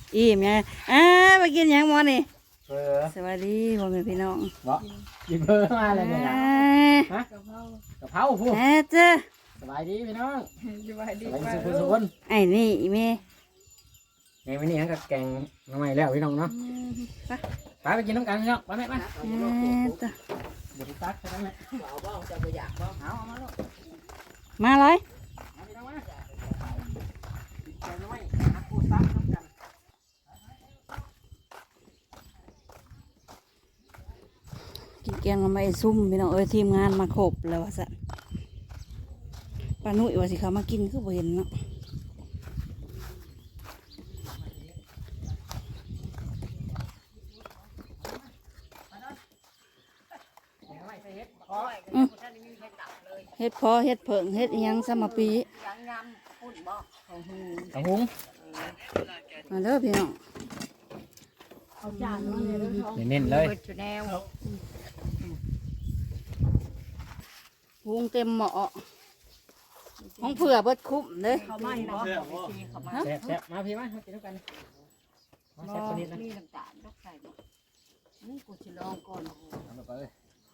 อิ่มไงไปกินหยังหมอนี่ สวัสดีพ่อแม่พี่น้องบ่ยิงเบอร์มาเลยเนี่ยฮะกะเพราพูดเจ้าสบายดีพี่น้องสบายดีสุขไอ้นี่อีเมย์ไงวันนี้กับแกงน้องใหม่แล้วพี่น้องเนาะไปกินน้ำกันพี่น้องไปไหมไปเจ้าบุตรตักใช่ไหมเอาบ้างจะไปอยากบ้างเอามาลูกมาเลยมาพี่น้องมากินแกงน้องใหม่นักพูดตักน้ำกันกินแกงมาไม่ซุ่มพี่น้องทีมงานมาครบแล้วว่าซะป้านุ่ยว่าสิเขามากินคือบ่เห็นเนาะเฮ็ดพอเฮ็ดเผิงเฮ็ดยังสมปีกระหุงมาเด้อพี่น้องเน้นเลยพุงเต็มหม้อห้องเผื่อเบิดคุ้มเลยเขาไม่เนาะแซ่บมาพี่มากินน้ำกันมาแซ่บคนนี้นะมีน้ำตาลต้องใส่บ่นี่กูจะลองก่อนทำแบบเลย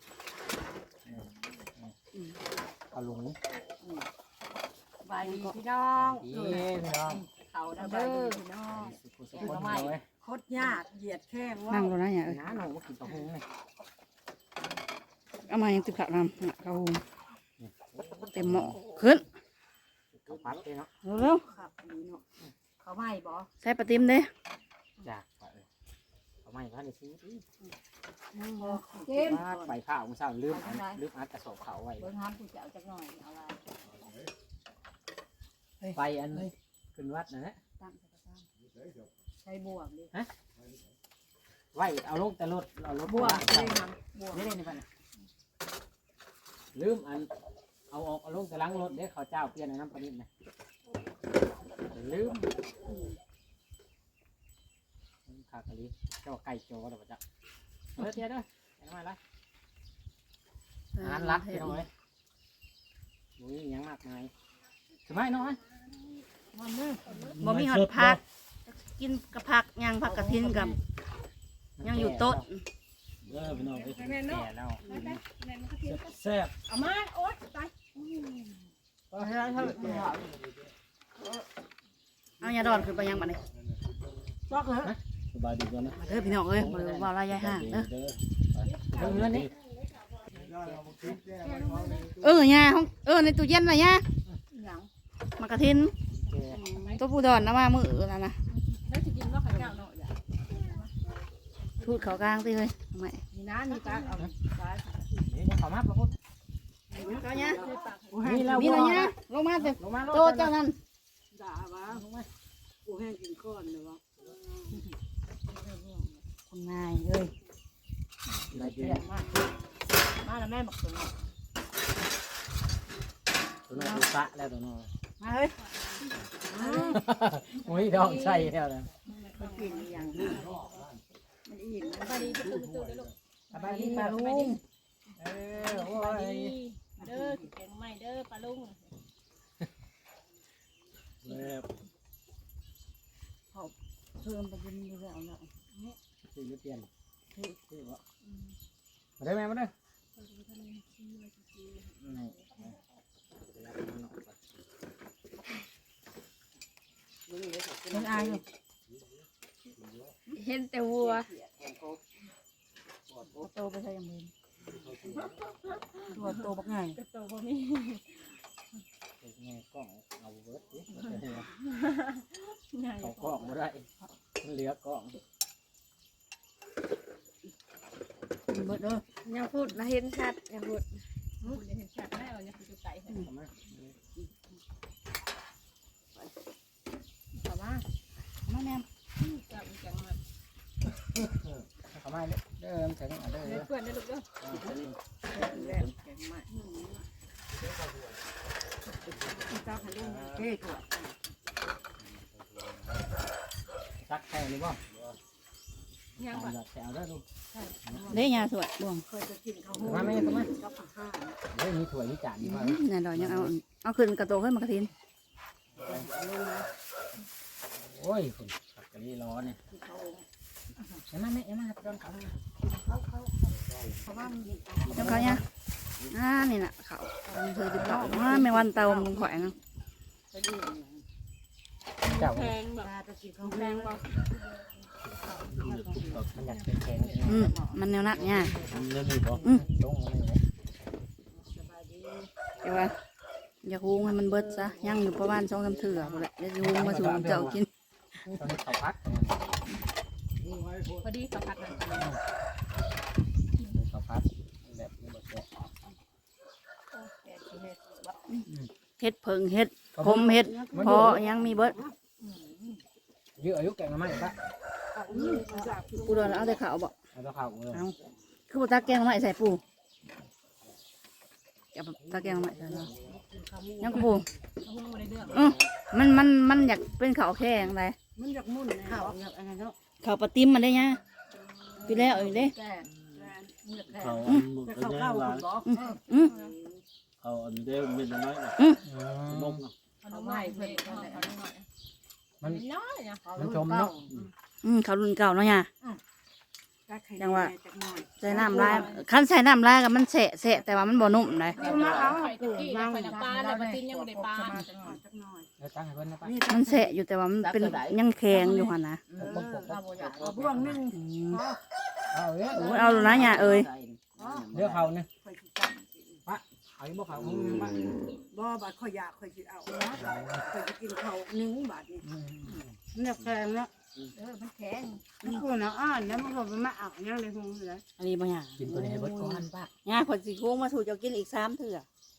เอาลุงบายดีพี่น้องพี่น้องเขาเด้อพี่น้องสุขภาพเลยโคตรยากเหยียดแข้งว่านั่งตรงนั้นอย่าน้าหนูกินกระหุงเลยเอามายังติดขัดนำเขาหุงเต็มหม้อขึ้นข้าวผัดเลยเนาะเร็วครับนี่เนาะเขาไม่บ่ๆใส่ปลาติมเด้จ้าเอาไม่พันซื้อที่นั่งบ่เจ็บไปข้าวมึงเศร้าลืมอัดกระสอบเขาไว้เบิ่งห้ามกูจะเอาจักหน่อยเอาละไปอันขึ้นวัดนะตั้งใช้บวกดิไว้เอาลงแต่รถเอารถบวกได้ได้ทำบวกไม่ได้ในบ้านลืมอันเอาออกเอาลงแต่ล้างรถเด้เขาเจ้าเปลี่ยนในน้ำปลานิดนะลืมขากะลิเจ้าไก่โจ้เดี๋ยวจะเฮ้ยเดี๋ยวด้วยไอ้น้อยไรอาหารรักพี่น้อยมุ้ยยังมากมายสมัยน้อยบ่มีหอดผักกินกับผักยังผักกระทินกับยังอยู่โต๊ะพี่น้องแก่แล้วแซ่บเอามาโอ๊ยตายเอายาดอนขึ้นไปยังบัดนี้ซอกเหรอสบายดีก่อนนะมาเด้อพี่น้องเอ้ยบ่ได้ว่าลายยายห่างเด้อเงินนี่ยาห้องในตู้เย็นน่ะยาหยังมากระทินตัวผู้ดอนนะมามื้อนั่นน่ะแล้วสิกินว่าข้าวเจ้าเนาะอย่าทูดเขากลางติเฮ้ยทำไมนี่นะนี่ตาเอาตานี่ขอมาประพุทธเขาเนี่ยนี่แล้วมีอะไรเนี่ยลงมาเต็มลงมาโตเจ้านั่นด่าวะกูแห้งกินก้อนเลยวะคุณนายเอ้ยมาแล้วแม่บอกตัวนี้ตัวน้องสะแล้วตัวน้องมาเฮ้ยโอ้ยดองใส่แล้วนะมันกินอย่างนี้มันอิ่มมันดีประตูเลยลูกสบายดีปลาลุงโอ้ยเด้อแกงใหม่เด้อปลาลุงเพิ่มไปกินดูแล้วเนาะซื้อเปลี่ยนซื้อวะมาได้ไหมมาได้เป็นอายอยู่เห็นแต่วัวโตไปใส่ยังไงตัวโตบักไงกระโตบ่มีไงกล้องเอาเบิร์ดดิใหญ่เขากล้องมาได้เหลือกล้องเบิดเด้อยังพูดนะเห็นชัดยังพูดเห็นชัดได้เอายังคือไก่เห็นทำไมแต่ว่ามาแม่จับจังมาทำไมเดิมใส่ต้องเอาเดิมเพื่อนได้ลูกเด้อแล้วแกงใหม่เจ้าขลุ่มเฮ้ยตัวซักแค่นี้บ่ยังเอาแบบแถวได้ดูเด้ยาสวยบ่วงเคยจะกินข้าวมาไม่ทำไมก็ผักห้าเฮ้ยมีถ้วยมีจานมีมานี่ดอกยังเอาขึ้นกระโตขึ้นมากระทินโอ้ยคุณกะลีร้อนเนี่ยอย่ามาแม่อย่ามาโดนเขาเพราะว่ามันเจ้าเขาเนี่ยนี่น่ะเขาเคยติดต่อไม่วันเตามึงข่อยนะเป็นอื่นเจ้าแพงแบบตะกี้ของแพงบ่มันอยากเป็นแข็งมันแนวนักเนี่ยเรื่องนี้บ่จงมันเลยสบายดีแต่ว่าอยากหุงให้มันเบิดซะย่างอยู่ประมาณ2-3 เถื่อหมดแหละจะหุงมาสู่เจ้ากินตอนนี้เขาพักพอดีเขาพัดนั่นเขาพักแบบนี้บ่แซ่บเฮ็ดเพิงเฮ็ดคมเฮ็ดพอยังมีเบิดยื้ออายุแก่มาไหมปะปูโดนเอาแต่ข้าวบ่เอาตัวข้าวเลยเอาคือบ่ตาแกงมาใส่ปูเอาตาแกงมาใส่แล้วยังกูปูหุ้งบ่ได้เรื่องมันอยากเป็นข้าวแข็งไดมันอยากมุ่นข้าวอยากอันนั้นเนาะข้าวปลาติ้มมันได้ยังพี่แล้วอีกเด้แก่มันอยากแก่เขาจะอันเข้าก็เข้ายังคุณบ่เขาอันนี้ได้เป็นน้อยนะนมเอาใหม่เพิ่นเอาหน่อยมันน้อยนะมันชมเนาะข้าวรุ่นเก่าเนาะเนี่ยจังว่าใส่น้ำลายคันใส่น้ำลายกับมันแสะแต่ว่ามันบ่นุ่มเลยมาเอาไข่ตะกี้ไข่น้ำปลาแล้วมาติ้นยังบ่ได้ปลาแล้วตั้งให้เพิ่นนะปะมันแสะอยู่แต่ว่ามันเป็นยังแข็งอยู่หั่นนะเอาบ่วงนึงเอาเอ้ยโอ้ยเอาลูกนะเนี่ยเอ้ยเดี๋ยวเขาเนี่ยเอาอีกบ่เขามึงปะบ่บาดข่อยอยากข่อยสิเอานะข่อยสิกินข้าวนึ่งบาดนี่มันอยากแพงเนาะมันแข็งมันกูน่ะอ่านแล้วมันก็มาเอายังเลยคงเลยอันนี้บ่หยังกินตัวนี้ให้เบิดก่อนปะย่าคนสิคุงมาสู่เจ้ากินอีก3 เถื่อ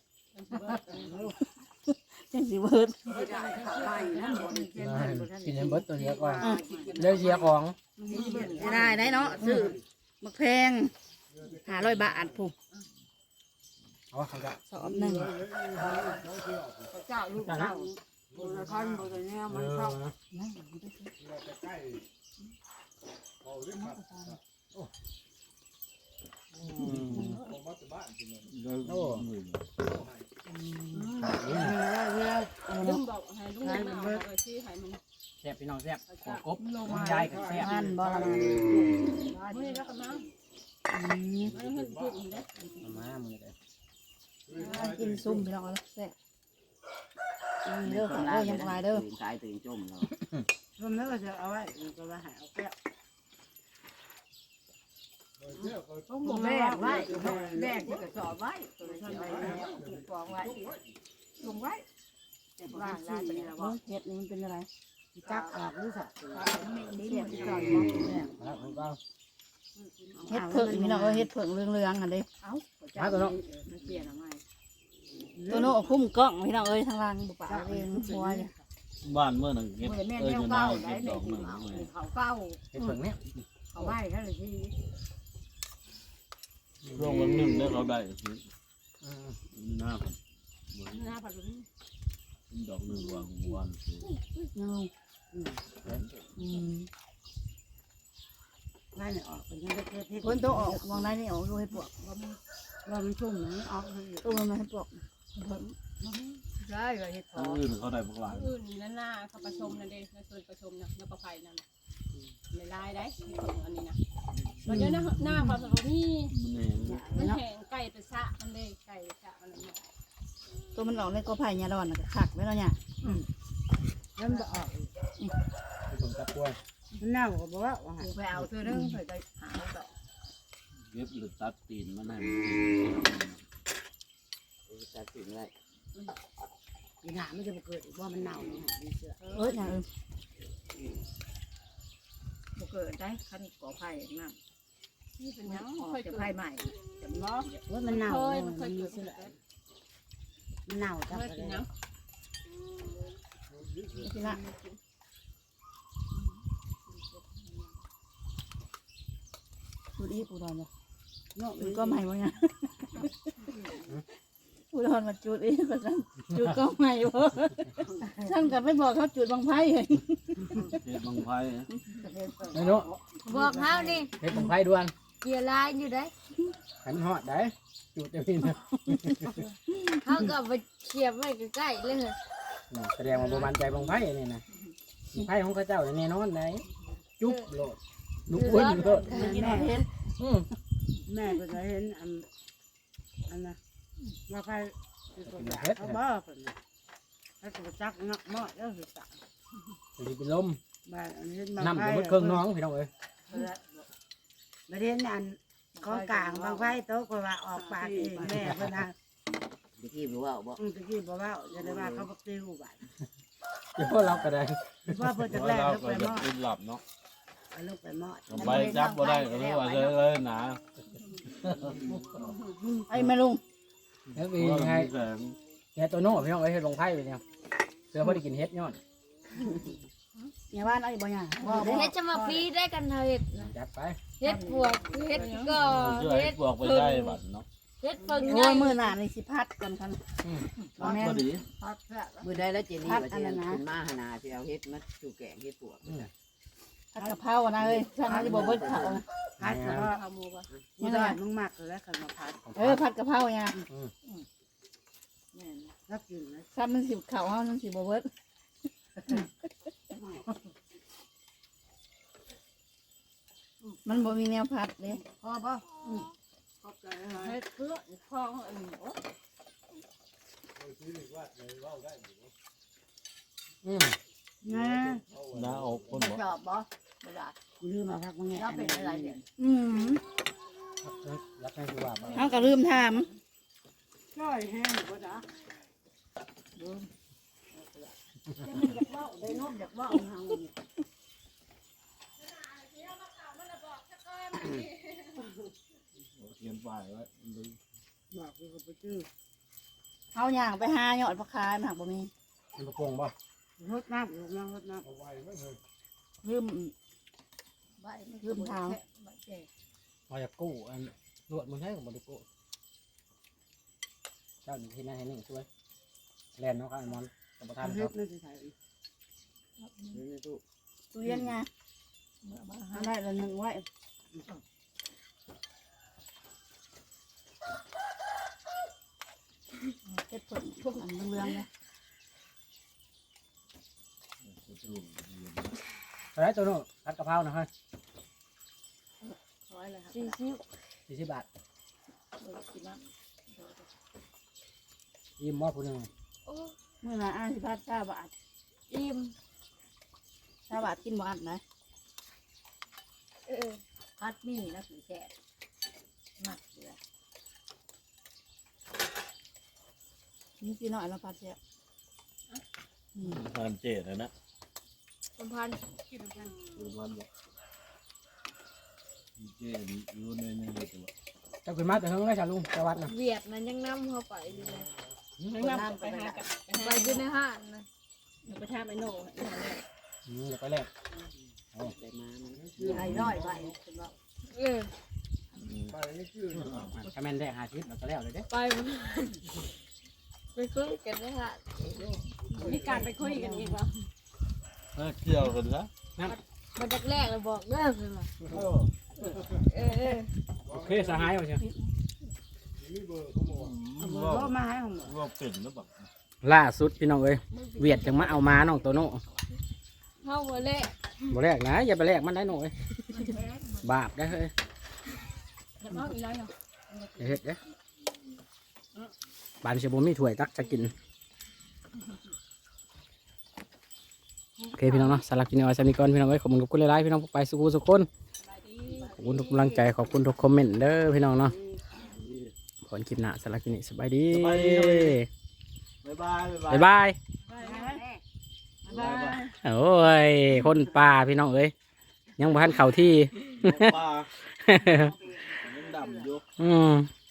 จังสิเบิดสิได้ข้าวใบนะบ่ได้กินกินให้เบิดตัวเดียวก่อนเดี๋ยวเสียของจะได้เนาะซื้อมักแพง500 บาทผู้เอาเขาจะสอบหนึ่งเจ้าลูกเจ้าบ่ได้คันบ่ได้แนวมันชอบโอ้ลุงบอกให้ลุงเอาเอาชี้ให้มันแซ่บพี่น้องแซ่บหัวกบยายกับแซ่บมันบ่ละมื้อแล้วก็มามันเพิ่นพูดอีกเด้มามือเลยกินซุ่มพี่น้องเอาแซ่บเด้อของเด้อยังบ่หลายเด้อตายตื่นจมเรารวมแล้วก็จะเอาไว้ก็ว่าให้เอาแก้วต้องบ่แม่ไว้แม่ที่ก็สอบไว้ตัวนี้ไว้ฟองไว้ลงไว้แต่บ้านลาไปแล้วเฮ็ดนี่มันเป็นอะไรจักออกหรือสักนี่เนี่ยที่ก่อนแล้วผมก็เฮ็ดเพิ่งพี่น้องเฮ็ดเพิ่งเรื่องๆหั่นเด้เอ้ามันเปลี่ยนอะไรตัวโน้คุ้มกล้องพี่น้องเอ้ยทางล่างบุปผาเองหัวเนี่ยบ้านเมื่อหนึ่งเก็บแม่เอ้ยแนวจะเก้าได้ได้เก็บดแม่อกหนึ่งเขาเก้าเห็ดเพิ่งเนี่ยเขาไหว้ท่านเลยที่ร่วงวันหนึ่งได้เขาได้หน้าครับหน้าผัดลุงดอกหนึ่งวันวันยังนั่นออกเป็นยังได้เก็บเฮ็ดคนตัวออกมองได้นี่ออกดูให้ปวกว่ามันชุ่มนะออกเลยตัวมันให้ปวกได้เลยเห็ดพออื่นเขาได้พวกหลานอื่นนั่นหน้าเขาประชมนั่นเองในส่วนประชมนะแล้วประไฟนั่นในลายได้อันนี้นะมันจะหน้าความสมบูรณ์นี่มันแน่มันแข็งไก่เป็นสะมันเลยไก่สะมันเนี่ยตัวมันออกในกอไผ่เนี่ยร้อนขักไว้แล้วเนี่ยแล้วมันออกผมจับกล้วยมันเน่าก็บอกว่าว่าผูไปเอาเธอเรื่องเคยไปหาต่อเก็บหรือตัดตีนมันให้จับตีนไว้อีหาไม่จะเกิดอีกว่ามันเน่าเนี่ยดีเสืออย่างบุกเกิดได้ขั้นก่อไผ่นั่นนี่เป็นยังเคยจะไผ่ใหม่จะล้อว่ามันเน่าเคยมัมัน นเคยมีเกิดเสือมันเน่าจังเคยเลกินยยังที่ละดูดีปูดอนเลยเนาะจุดก็ใหม่วะเนี่ยปูดอนมาจุดอีกแบบนั้นจุดก็ใหม่วะฉันกับไม่บอกเขาจุดบางไพ่เองเก็บบางไพ่ไอ้หนูบอกเขาดิเห็ดผมไฟด่วนเกียร์ลายอยู่ได้ขันหอดได้จุดจะพี่นะเขาก็ไปเขียบไว้ใกล้ๆเลยแสดงว่าโบมันใจบางไฟนี่นะไผ่ของเขาเจ้าแน่นอนไหนจุ๊บโลดลูกอ้วนโลดกินหอดเห็ดแม่ก็จะเห็นอันนะว่าใครเขาบ้าคนนี้เขาจะจักเนาะหม้อแล้วสิตาจะเป็นลมบ้านอันนี้น้ำกับเครื่องน้องพี่น้องเอ้ยมาเรียนอันของกลางบางไฟโต๊ะก็ว่าออกปากเองแม่เพิ่นนะตะกี้บ่ว่าบ่ตะกี้บอกว่าจะได้ว่าเขาบอกติวบ้านเดี๋ยวพวกเราก็ได้ว่าเพิ่นจะแรกเราลูกก็ไปหจะม้อกินหลับเนาะลูกไปหม้อไปจับบ่ได้ก็เลยว่าเลยหนาไอ้แม่ลุงแล้วมีว่าไงแสงแกตัวโน่พี่น้องเอ้ยลงไผ่ไปเนี่ยเสือพอได้กินเฮ็ดยอดอย่าบ้านเอาอีกบ่ยังบ่เฮ็ดจะมาปีได้กันเฮ็ดนะจัดไปเฮ็ดบวกเฮ็ดก็ช่วยเฮ็ดบอกไปได้บัดเนาะเฮ็ดเพิ่งโอ้ใหญ่ยมื้อหน้านี่สิพัดกันคันบ่แม่พอน ดีมื้อใดแล้วเจนี่ว่าสิขึ้นมาหนาสิเอาเฮ็ดมาสู่แกงเฮ็ดปวกผัดกะเพรานะเอ้ยฉันสิบ่เบิดเขานะพัดก็ยังไงมึงมักแล้วคันมาพัดผัดกะเพราเนี่ยแล้วกินนะซ้ำมันสิเขาเฮามันสิบ่เบิดมันบ่มีแนวผัดเลยพอป่ะขอบใจนะเฮ็ดเพื่อพ่ออันนี้โอ้นะหน้าอกคนบอกชอบบ่บ่ได้ลืมมาพักมึงไงเราเป็นอะไรเนี่ยรักให้คือว่าบ่เฮาก็ลืมถามช่อยแห้งก็ได้อยากเล่าได้นมอยากเล่าเฮาเขียนป้ายไว้ดูบอกกูก็ไปซื้อเฮาย่างไปหายอดผักคายมันหักบ่มีมันประกงบ่รดน้ำรดน้ำรดน้ลืมใบมันลืมทางใบแก่มาจากกู้อันรวดมันใช่กับบริกู้เจ้าที่นั่นให้หนึ่งช่วยแลนเนาะครับมอนกับประำธานเฮ็ครัดบนั่นสิใส่ในตู้ตู้เย็นไงเอาได้ละหนึ่งไว้เฮ็ดผลพวกอันเรื่องๆนะอะไรตัวโน่ผัดกะเพรานะฮะ 40 40 บาทยิ้มมอผู้หนึ่งโอ้มื้อหน้าอ้ายสิพัด20 บาทอิ่ม 20 บาทกินบ่อันนะพัดมีนะสิแซ่บมักเลยนี่สิน้อยแล้วพัดแซ่บทานเจดนะสัมพันธ์ดูมันบอกเจดอยู่ในนี้ตัวเจ้าขึ้นมาแต่เฮิงได้ชาลุงสวัสดิ์นะเวียดมันยังนำเข้าไปอยู่เลยน้ำไปหากับไปอยู่ในห้านนะเดี๋ยวไปแลกไปมามันไอ้น้อยไปเป็นว่าเออถ้าแม่นได้50แล้วก็แล้วเลยเด้ไปมันไปคุยกันในห้านมีการไปคุยกันอีกบ่เกี่ยวกันนะมันแรกๆเลยบอกเด้อคือว่าเออโอเคสหายเอาเชียวว่าก็มาให้ผมว่าเป็นหรือเปล่าล่าสุดพี่น้องเอ้ยเวียดจังมาเอามาน้องโตโน่เฮาบ่แลกบ่แลกนะอย่าไปแลกมันได้หน่อยบาปได้เฮ้ยอย่าเฮ็ดเด้บ้านสิบ่มีถ้วยตักจะกินโอเคพี่น้องเนาะสำหรับกินเอาไว้สำนี้ก่อนพี่น้องเอ้ยขอบคุณทุกคนหลายๆพี่น้องไปสุขุสุขคนขอบคุณทุกกำลังใจขอบคุณทุกคอมเมนต์เด้อพี่น้องเนาะขอคลิปหน้าสำหรับคลิปนี้สบายดีบ๊ายบายบ๊ายบายบ๊ายบายโอ้ยคนป่าพี่น้องเอ้ยยังบ่ทันเข้าที่ปลายังดำอยู่อืม